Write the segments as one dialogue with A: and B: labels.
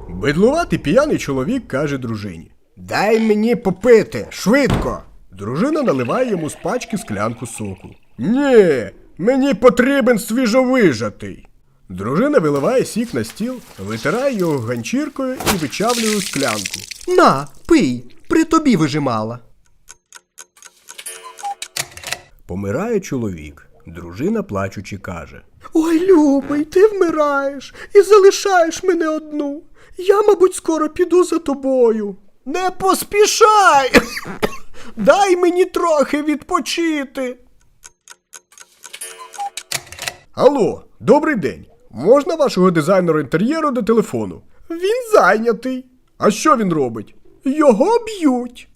A: Бидлуватий п'яний чоловік каже дружині: «Дай мені попити, швидко!» Дружина наливає йому з пачки склянку соку. «Ні, мені потрібен свіжовижатий!» Дружина виливає сік на стіл, витирає його ганчіркою і вичавлює у склянку.
B: На, пий, при тобі вижимала.
A: Помирає чоловік. Дружина, плачучи, каже:
B: Ой, любий, ти вмираєш і залишаєш мене одну. Я, мабуть, скоро піду за тобою.
A: «Не поспішай! Дай мені трохи відпочити!» Алло, добрий день. Можна вашого дизайнера інтер'єру до телефону? Він зайнятий. А що він робить? Його б'ють.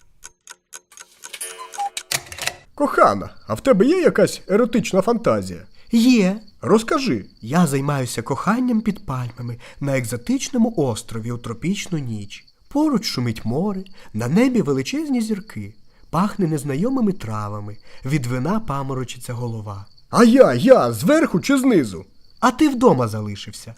A: Кохана, а в тебе є якась еротична фантазія?
B: Є.
A: Розкажи.
B: Я займаюся коханням під пальмами на екзотичному острові у тропічну ніч. Поруч шумить море, на небі величезні зірки. Пахне незнайомими травами, від вина паморочиться голова.
A: А я, зверху чи знизу?
B: А ти вдома залишився.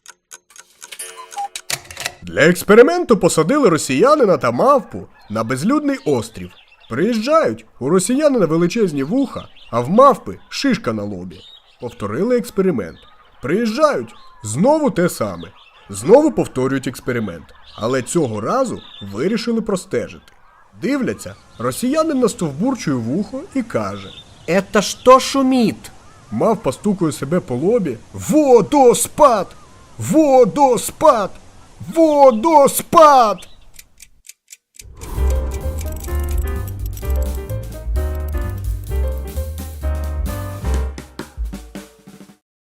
A: Для експерименту посадили росіянина та мавпу на безлюдний острів. Приїжджають, у росіянина величезні вуха, а в мавпи шишка на лобі. Повторили експеримент. Приїжджають, знову те саме. Знову повторюють експеримент. Але цього разу вирішили простежити. Дивляться, росіянин настовбурчує вухо і каже:
B: «Это що шумить?»
A: Мавпа стукає себе по лобі. Водоспад! Водоспад! Водоспад!